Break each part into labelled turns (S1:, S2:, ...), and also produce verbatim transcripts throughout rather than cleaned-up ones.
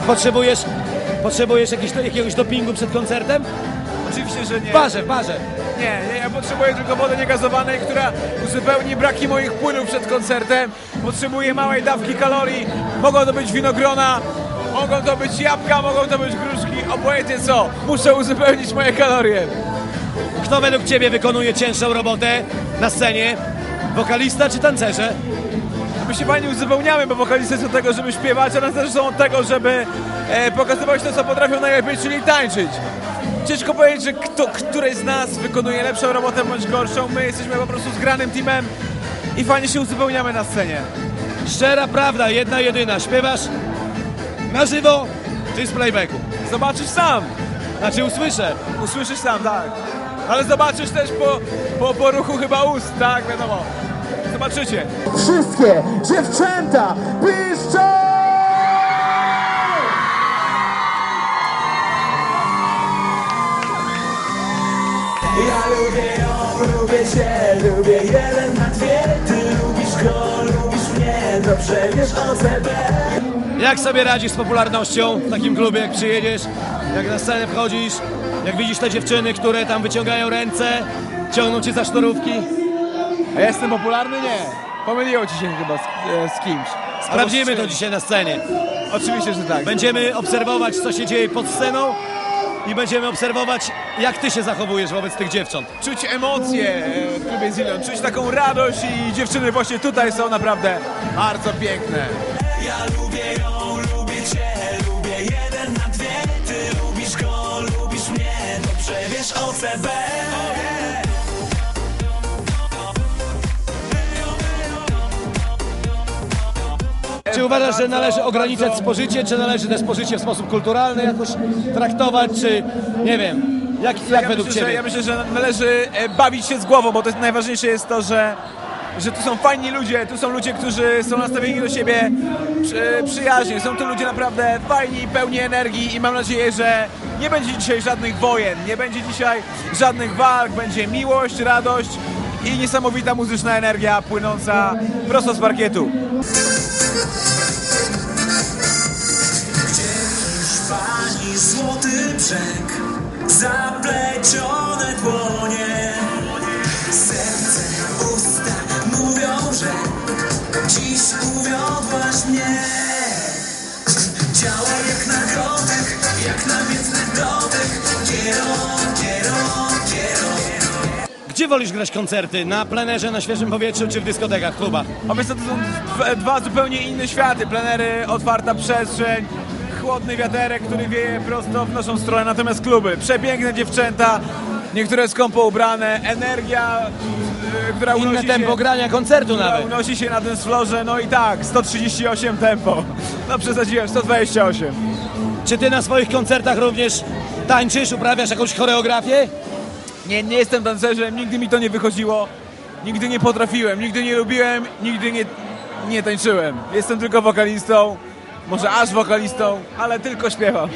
S1: Potrzebujesz, potrzebujesz jakiś, jakiegoś dopingu przed koncertem?
S2: Oczywiście, że nie.
S1: W barze, w barze.
S2: Nie, nie, ja potrzebuję tylko wody niegazowanej, która uzupełni braki moich płynów przed koncertem. Potrzebuję małej dawki kalorii. Mogą to być winogrona, mogą to być jabłka, mogą to być gruszki, obojętnie co. Muszę uzupełnić moje kalorie.
S1: Kto według Ciebie wykonuje cięższą robotę na scenie? Wokalista czy tancerze?
S2: My się fajnie uzupełniamy, bo wokalisty są od tego, żeby śpiewać, a tancerze są od tego, żeby e, pokazywać to, co potrafią najlepiej, czyli tańczyć. Ciężko powiedzieć, że kto, któryś z nas wykonuje lepszą robotę bądź gorszą. My jesteśmy po prostu zgranym teamem i fajnie się uzupełniamy na scenie.
S1: Szczera prawda, jedna jedyna. Śpiewasz na żywo czy z playbacku?
S2: Zobaczysz sam.
S1: Znaczy usłyszę.
S2: Usłyszysz sam, tak. Ale zobaczysz też po, po, po ruchu chyba ust, tak, wiadomo. Zobaczycie.
S3: Wszystkie dziewczęta piszczą!
S4: Ja lubię ją, lubię cię, lubię jeden na dwie. Ty lubisz go, lubisz mnie, dobrze wiesz o C B.
S1: Jak sobie radzisz z popularnością w takim klubie, jak przyjedziesz, jak na scenę wchodzisz, jak widzisz te dziewczyny, które tam wyciągają ręce, ciągną cię za sznurówki?
S2: A ja jestem popularny? Nie. Pomyliło ci się chyba z, e, z kimś.
S1: Sprawdzimy
S2: Albo z
S1: to
S2: czymś.
S1: dzisiaj na scenie.
S2: Oczywiście, że tak.
S1: Będziemy obserwować, co się dzieje pod sceną i będziemy obserwować, jak ty się zachowujesz wobec tych dziewcząt.
S2: Czuć emocje e, w klubie Zillion, czuć taką radość i dziewczyny właśnie tutaj są naprawdę bardzo piękne.
S4: Ja lubię ją, lubię cię, lubię jeden na dwie. Ty lubisz go, lubisz mnie, dobrze wiesz o C B.
S1: Czy uważasz, że należy ograniczać spożycie, czy należy te spożycie w sposób kulturalny jakoś traktować, czy nie wiem, jak, jak
S2: ja
S1: według
S2: myślę,
S1: ciebie?
S2: że, ja myślę, że należy e, bawić się z głową, bo to jest najważniejsze jest to, że, że tu są fajni ludzie, tu są ludzie, którzy są nastawieni do siebie przy, przyjaźnie. Są tu ludzie naprawdę fajni, pełni energii i mam nadzieję, że nie będzie dzisiaj żadnych wojen, nie będzie dzisiaj żadnych walk, będzie miłość, radość i niesamowita muzyczna energia płynąca prosto z parkietu.
S4: Pani złoty brzeg, zaplecione dłonie, serce, usta mówią, że dziś uwiodłaś mnie. Ciało jak na kotek, jak namiętny dotyk, kierą, kierą, kierą.
S1: Gdzie wolisz grać koncerty? Na plenerze, na świeżym powietrzu, czy w dyskotekach, klubach?
S2: Obecnie to są dwa, dwa zupełnie inne światy. Plenery, otwarta przestrzeń, chłodny wiaterek, który wieje prosto w naszą stronę, natomiast kluby, przepiękne dziewczęta, niektóre skąpo ubrane, energia, yy, która
S1: Inne
S2: unosi
S1: tempo
S2: się,
S1: grania koncertu
S2: która
S1: nawet.
S2: unosi się na tym florze, no i tak, sto trzydzieści osiem tempo, no przesadziłem, sto dwadzieścia osiem.
S1: Czy ty na swoich koncertach również tańczysz, uprawiasz jakąś choreografię?
S2: Nie, nie jestem tancerzem, nigdy mi to nie wychodziło, nigdy nie potrafiłem, nigdy nie lubiłem, nigdy nie, nie tańczyłem. Jestem tylko wokalistą, może aż wokalistą, ale tylko śpiewam.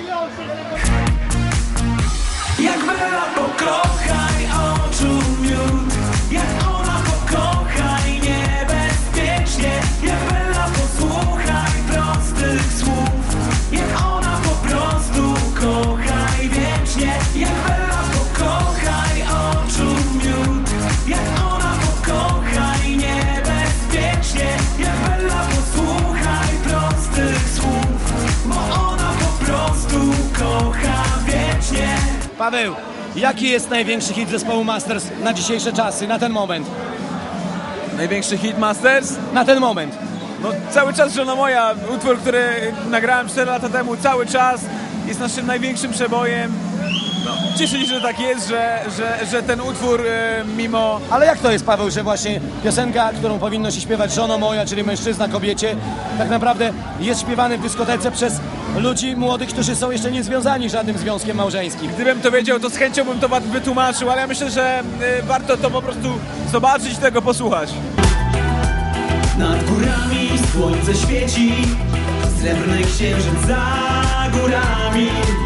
S4: Jak Bella pokochaj oczu miód, jak ona pokochaj niebezpiecznie, jak Bella posłuchaj prostych słów, jak ona po prostu kochaj wiecznie, jak Bella pokochaj oczu miód, jak ona pokochaj niebezpiecznie, jak Bella posłuchaj prostych słów, bo ona po prostu kocha wiecznie.
S1: Paweł, jaki jest największy hit zespołu Masters na dzisiejsze czasy, na ten moment?
S2: Największy hit Masters?
S1: Na ten moment.
S2: No cały czas Żona moja, utwór, który nagrałem cztery lata temu, cały czas jest naszym największym przebojem. No, cieszę się, że tak jest, że, że, że ten utwór e, mimo...
S1: Ale jak to jest, Paweł, że właśnie piosenka, którą powinno się śpiewać żono moja, czyli mężczyzna kobiecie, tak naprawdę jest śpiewany w dyskotece przez ludzi młodych, którzy są jeszcze nie związani żadnym związkiem małżeńskim.
S2: Gdybym to wiedział, to z chęcią bym to wytłumaczył, ale ja myślę, że e, warto to po prostu zobaczyć i tego posłuchać.
S4: Nad górami słońce świeci, srebrny księżyc za górami.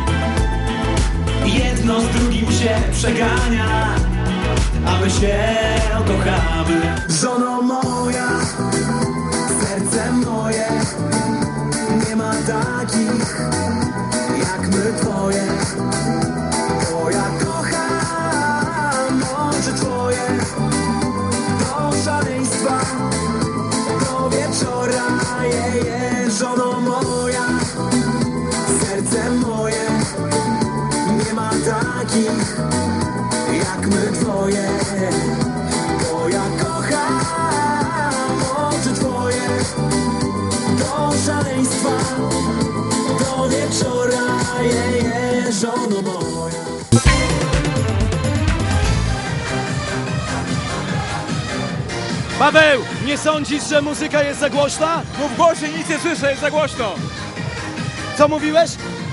S4: Jedno z drugim się przegania, a my się kochamy. Żono moja, serce moje, nie Nie ma takich jak my twoje, bo ja kocham oczy twoje do szaleństwa, do wieczora, je, je, żono moja, serce moje. Nie ma takich jak my twoje, bo ja kocham oczy twoje do szaleństwa, do wieczora, je, je, żono moja.
S1: Paweł, nie sądzisz, że muzyka jest za głośna?
S2: Mów głośniej, nic nie słyszę, jest za głośno.
S1: Co mówiłeś?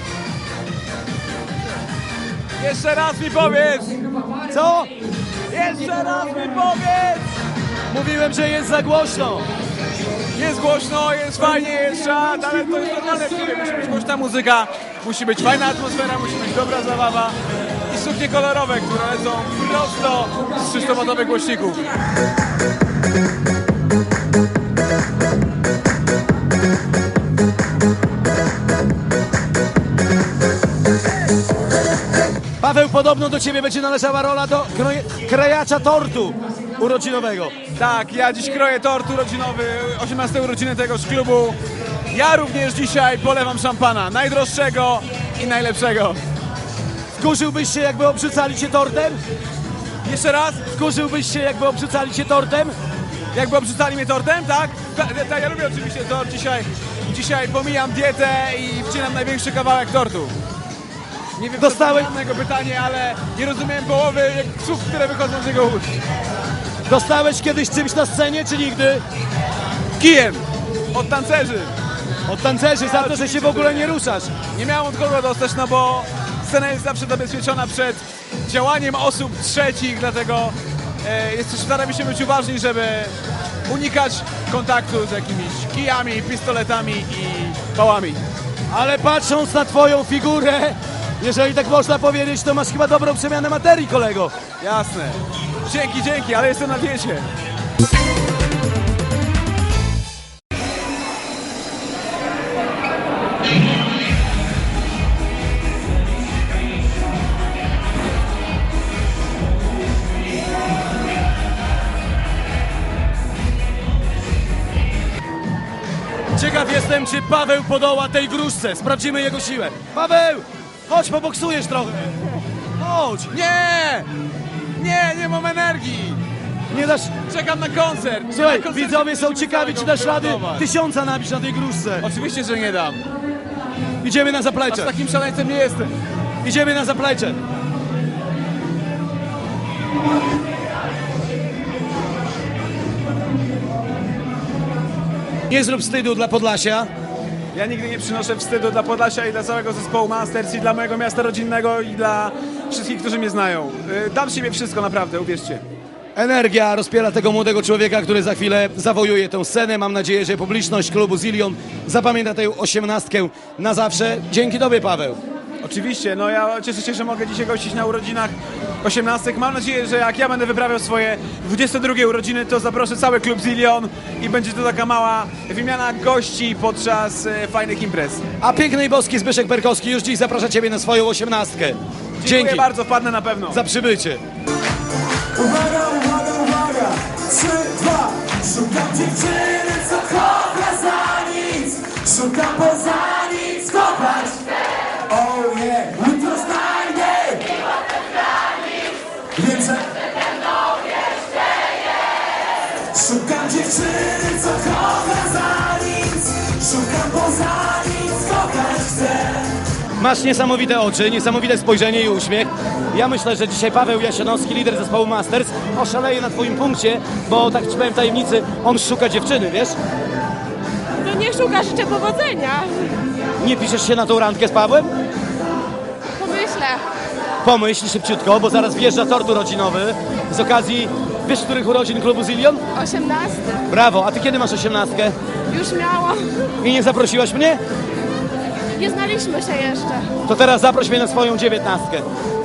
S2: Jeszcze raz mi powiedz!
S1: Co?
S2: Jeszcze raz mi powiedz!
S1: Mówiłem, że jest za głośno.
S2: Jest głośno, jest fajnie, jest czad, ale to jest normalne w filmie. Musi być głośna muzyka, musi być fajna atmosfera, musi być dobra zabawa i suknie kolorowe, które lecą prosto z trzystowotowych głośników.
S1: Paweł, podobno do ciebie będzie należała rola do kroje, krajacza tortu urodzinowego.
S2: Tak, ja dziś kroję tort urodzinowy, osiemnaste urodziny tegoż klubu. Ja również dzisiaj polewam szampana, najdroższego i najlepszego.
S1: Wkurzyłbyś się, jakby obrzucali cię tortem?
S2: Jeszcze raz,
S1: Wkurzyłbyś się, jakby obrzucali cię tortem?
S2: jakby obrzucali mnie tortem, tak? Tak, ta, ja lubię oczywiście tort, dzisiaj, dzisiaj pomijam dietę i wcinam największy kawałek tortu. Nie wiem,
S1: Dostałeś-
S2: co to jego pytanie, ale nie rozumiem połowy słów, które wychodzą z jego ust.
S1: Dostałeś kiedyś czymś na scenie, czy nigdy?
S2: Kijem od tancerzy.
S1: Od tancerzy za to, że się w ogóle nie ruszasz.
S2: Nie miałem od kogo dostać, no bo scena jest zawsze zabezpieczona przed działaniem osób trzecich, dlatego e, jest, staramy się być uważni, żeby unikać kontaktu z jakimiś kijami, pistoletami i pałami.
S1: Ale patrząc na twoją figurę, jeżeli tak można powiedzieć, to masz chyba dobrą przemianę materii, kolego.
S2: Jasne. Dzięki, dzięki, ale jestem na diecie.
S1: Ciekaw jestem, czy Paweł podoła tej wróżce. Sprawdzimy jego siłę. Paweł, chodź, poboksujesz trochę. Chodź.
S2: Nie! Nie, nie mam energii!
S1: Nie dasz...
S2: Czekam na koncert!
S1: Słuchaj,
S2: Na koncercie
S1: widzowie są
S2: musimy
S1: ciekawi, czy
S2: całego
S1: dasz rady
S2: wyładować.
S1: tysiąca nabić na tej gruszce.
S2: Oczywiście, że nie dam.
S1: Idziemy na
S2: Aż
S1: zaplecze.
S2: takim szaleńcem nie jestem.
S1: Idziemy na zaplecze. Nie zrób wstydu dla Podlasia.
S2: Ja nigdy nie przynoszę wstydu dla Podlasia i dla całego zespołu Masters i dla mojego miasta rodzinnego i dla wszystkich, którzy mnie znają. Y, Dam z siebie wszystko, naprawdę, uwierzcie.
S1: Energia rozpiera tego młodego człowieka, który za chwilę zawojuje tę scenę. Mam nadzieję, że publiczność klubu Zillion zapamięta tę osiemnastkę na zawsze. Dzięki tobie, Paweł.
S2: Oczywiście, no ja cieszę się, że mogę dzisiaj gościć na urodzinach osiemnastek. Mam nadzieję, że jak ja będę wyprawiał swoje dwudzieste drugie urodziny, to zaproszę cały klub Zillion i będzie to taka mała wymiana gości podczas e, fajnych imprez.
S1: A piękny i boski Zbyszek Perkowski już dziś zaprasza ciebie na swoją osiemnastkę.
S2: Dziękuję
S1: Dzięki
S2: bardzo, wpadnę na pewno.
S1: za przybycie.
S4: Uwaga, uwaga, uwaga! Trzy, dwa! Szukam dziewczyny, co kocha za nic! Szukam poza nic, kochać! Oh yeah! Jutro znajdę! Wiem, że szukam dziewczyny, co kocha za nic! Szukam poza nic, kochać chcę!
S1: Masz niesamowite oczy, niesamowite spojrzenie i uśmiech. Ja myślę, że dzisiaj Paweł Jasionowski, lider zespołu Masters, oszaleje na twoim punkcie, bo tak ci powiem tajemnicy, on szuka dziewczyny, wiesz?
S5: No nie szuka, życzę powodzenia.
S1: Nie piszesz się na tą randkę z Pawłem?
S5: Pomyślę.
S1: Pomyśl szybciutko, bo zaraz wjeżdża tort urodzinowy z okazji, wiesz, których urodzin klubu Zillion?
S5: osiemnasty.
S1: Brawo, a ty kiedy masz osiemnastkę?
S5: Już miałam.
S1: I nie zaprosiłaś mnie?
S5: Nie znaliśmy się jeszcze.
S1: To teraz zaproś mnie na swoją dziewiętnastkę.